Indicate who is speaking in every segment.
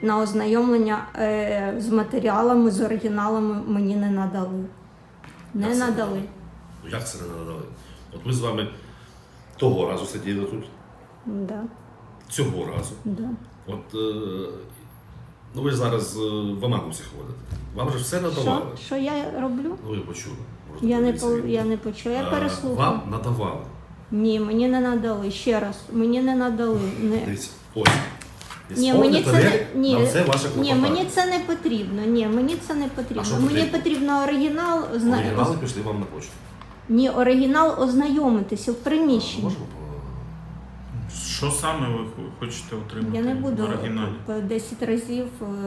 Speaker 1: на ознайомлення з матеріалами, з оригіналами мені не надали. Не надали.
Speaker 2: Ну як це не надали? От ми з вами того разу сиділи тут,
Speaker 1: Да.
Speaker 2: цього разу.
Speaker 1: Да.
Speaker 2: От, ну ви ж зараз в Амагусі ходите. Вам же все надавали.
Speaker 1: Що я роблю?
Speaker 2: Ну ви почули. Можете
Speaker 1: Я не,
Speaker 2: подивитися відео.
Speaker 1: я не почула, я переслухала.
Speaker 2: Вам надавали.
Speaker 1: Ні, мені не надали. Ще раз, мені не надали.
Speaker 2: Дивіться, ось.
Speaker 1: Ні, мені це не, ні,
Speaker 2: це ваше
Speaker 1: ні,
Speaker 2: клопотання.
Speaker 1: мені це не потрібно. Ні, мені це не
Speaker 2: А
Speaker 1: потрібно.
Speaker 2: що
Speaker 1: Мені
Speaker 2: потрібно?
Speaker 1: потрібно оригінал.
Speaker 2: Оригінали пішли вам на почту.
Speaker 1: Ні, оригінал ознайомитися в приміщенні.
Speaker 2: Можемо?
Speaker 3: Що саме ви хочете отримати
Speaker 1: Я не буду
Speaker 3: в оригіналі?
Speaker 1: по 10 разів.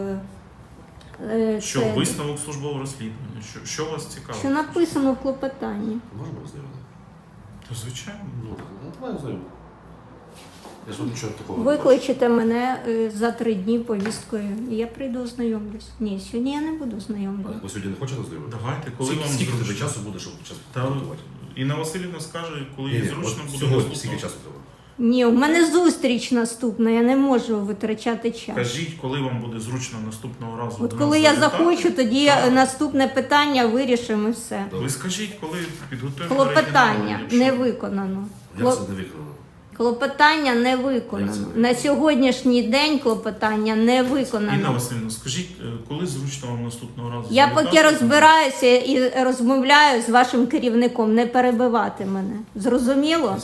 Speaker 3: Що,
Speaker 1: це,
Speaker 3: висновок службового розслідування? Що вас цікавить?
Speaker 1: що написано в клопотанні.
Speaker 2: Можемо ознайомити?
Speaker 3: То звичайно.
Speaker 2: Ну, давай ознайомити. Я ж вам нічого такого не
Speaker 1: Викличете мене за 3 дні повісткою, і я прийду ознайомлюсь. Ні, сьогодні я не буду
Speaker 2: бачу.
Speaker 1: ознайомлюватися.
Speaker 2: Ви сьогодні не хочете ознайомити?
Speaker 3: Давайте, коли вам
Speaker 2: Скільки тобі
Speaker 3: зручно.
Speaker 2: часу буде, щоб час
Speaker 3: Та
Speaker 2: підготувати?
Speaker 3: Інна Василівна скаже, коли
Speaker 2: Ні,
Speaker 3: їй
Speaker 2: ні,
Speaker 3: зручно
Speaker 2: от
Speaker 3: буде
Speaker 2: сьогодні
Speaker 3: наступного.
Speaker 2: скільки часу треба?
Speaker 1: Ні, у мене зустріч наступна, я не можу витрачати час.
Speaker 3: Кажіть, коли вам буде зручно наступного разу.
Speaker 1: От
Speaker 3: до
Speaker 1: коли
Speaker 3: нас
Speaker 1: я
Speaker 3: завітати.
Speaker 1: захочу, тоді
Speaker 3: Так.
Speaker 1: наступне питання вирішимо і все.
Speaker 3: Ви скажіть, коли підготуємо
Speaker 1: Клопотання
Speaker 3: оригінал, якщо-
Speaker 1: не виконано.
Speaker 2: Як це не виконано?
Speaker 1: Клопотання не
Speaker 2: Як
Speaker 1: виконано.
Speaker 2: це не
Speaker 1: На сьогоднішній день клопотання не
Speaker 3: Інна
Speaker 1: виконано.
Speaker 3: Васильівна, скажіть, коли зручно вам наступного разу
Speaker 1: Я
Speaker 3: завітати?
Speaker 1: поки розбираюся і розмовляю з вашим керівником, не перебивати мене. Зрозуміло?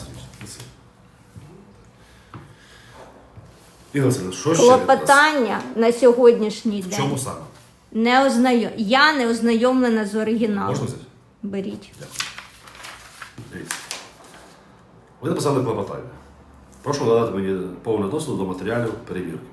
Speaker 2: Інна Васильівна, що ще від вас?
Speaker 1: Клопотання на сьогоднішній
Speaker 2: В чому
Speaker 1: день
Speaker 2: саме?
Speaker 1: я не ознайомлена з оригіналом.
Speaker 2: Можна взяти?
Speaker 1: Беріть.
Speaker 2: Дякую. Дивіться. Ви написали клопотання. Прошу надати мені повний доступ до матеріалів перевірки.